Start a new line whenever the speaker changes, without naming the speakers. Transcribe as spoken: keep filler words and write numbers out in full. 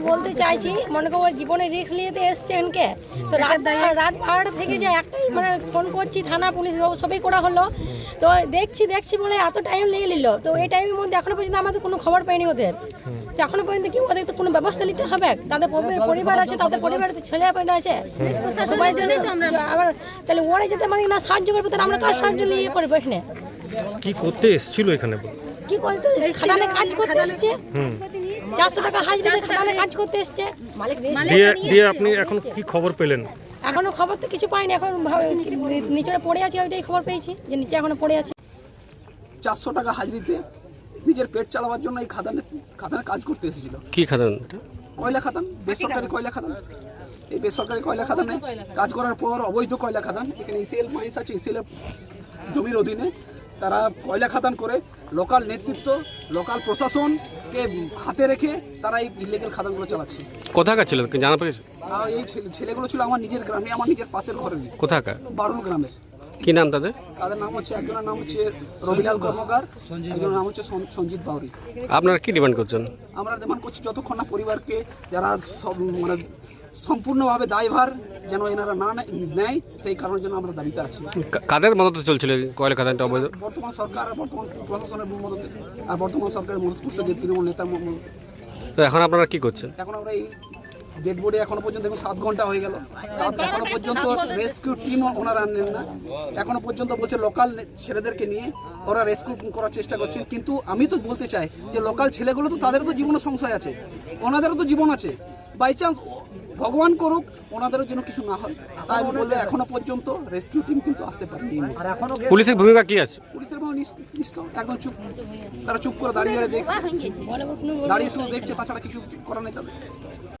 বলতে চাইছি, মনে করো জীবনে রিস্ক নিতে এসছেন কে, তো রাত রাত বারোটা থেকে যে একটাই মানে ফোন করছি থানা পুলিশ সবই করা হলো, তো দেখছি দেখছি বলে এত টাইম লেগে নিল। তো এই টাইমের মধ্যে এখনো পর্যন্ত আমাদের কোনো খবর পাইনি ওদের। তো এখনো পর্যন্ত কি ওদের তো কোনো ব্যবস্থা নিতে হবে, তাদের পরিবার আছে, তাদের পরিবারের ছেলে পেলে আছে, সবাই যদি আবার তাহলে ওরা যেতে মানে না সাহায্য করবে, তাহলে আমরা কাজ সাহায্য নিয়ে করবো এখানে।
কি করতে এসেছিল এখানে?
কি করতে খাদানে কাজ করতে এসছে, চারশো টাকা হাজিরা খাদানে কাজ করতে এসছে।
দিয়ে দিয়ে আপনি এখন কি খবর পেলেন?
এখনো খবর তো কিছু পাইনি, এখন নিচে পড়ে আছে, ওইটাই খবর পেয়েছি যে নিচে এখনো পড়ে আছে।
চারশো টাকা হাজিরিতে নিজের পেট চালাবার জন্য এই খাদানে খাদানে কাজ করতে এসেছিল।
কি খাদান?
কয়লা খাদান, বেসরকারি কয়লা খাদান। এই বেসরকারি কয়লা খাদানে কাজ করার পর অবৈধ কয়লা খাদান, এখানে ইসিএল মাইন্স আছে, ইসিএল জমির অধীনে তারা কয়লা খাদান করে লোকাল নেতৃত্ব, লোকাল প্রশাসনকে হাতে রেখে তারা এই ইলিগাল খাদানগুলো চালাচ্ছে।
কোথাকার ছিল জানা পেয়েছে?
আর এই ছেলেগুলো ছিল আমার নিজের গ্রামে, আমার নিজের পাশের ঘরের।
কোথাকার?
বারুল গ্রামের।
কি নাম তাদের?
তাদের নাম হচ্ছে, একজনের নাম হচ্ছে রবিলাল কর্মকার, একজনের নাম হচ্ছে সঞ্জিত বাউরি।
আপনারা কি ডিমান্ড করছেন? আমরা
ডিমান্ড করছি যতক্ষণ না পরিবারকে যারা সব মানে সম্পূর্ণভাবে দায়ভার যেন এনারা না নেয়, সেই কারণের জন্য আমরা দাবিতে আছি।
কাদের মদতে চলছিল কয়লা খাদানটা অবৈধ?
বর্তমান সরকার আর বর্তমান প্রশাসনের মদতে, আর বর্তমান সরকারের মধ্যপুষ্ট যে তৃণমূল নেতার।
তো এখন আপনারা কি করছেন?
এখন আমরা এই ডেড বডি এখনো পর্যন্ত দেখুন সাত ঘন্টা হয়ে গেল, সাত এখনো পর্যন্ত রেস্কিউ টিম ওনারা আনেন না। এখনো পর্যন্ত বলছে লোকাল ছেলেদেরকে নিয়ে ওরা রেস্কিউ করার চেষ্টা করছেন, কিন্তু আমি তো বলতে চাই যে লোকাল ছেলেগুলো তো তাদেরও তো জীবনের সংশয় আছে, ওনাদেরও তো জীবন আছে। বাই চান্স ভগবান করুক ওনাদেরও যেন কিছু না হয়, তাই আমি বলবো এখনো পর্যন্ত রেস্কিউ টিম কিন্তু আসতে পারেনি।
পুলিশের ভূমিকা কি আছে?
পুলিশের নিশ্চিত একদম চুপ, তারা চুপ করে দাঁড়িয়ে দাঁড়িয়ে দেখছে, দাঁড়িয়ে শুধু দেখছে, তাছাড়া কিছু করার নেই তাদের।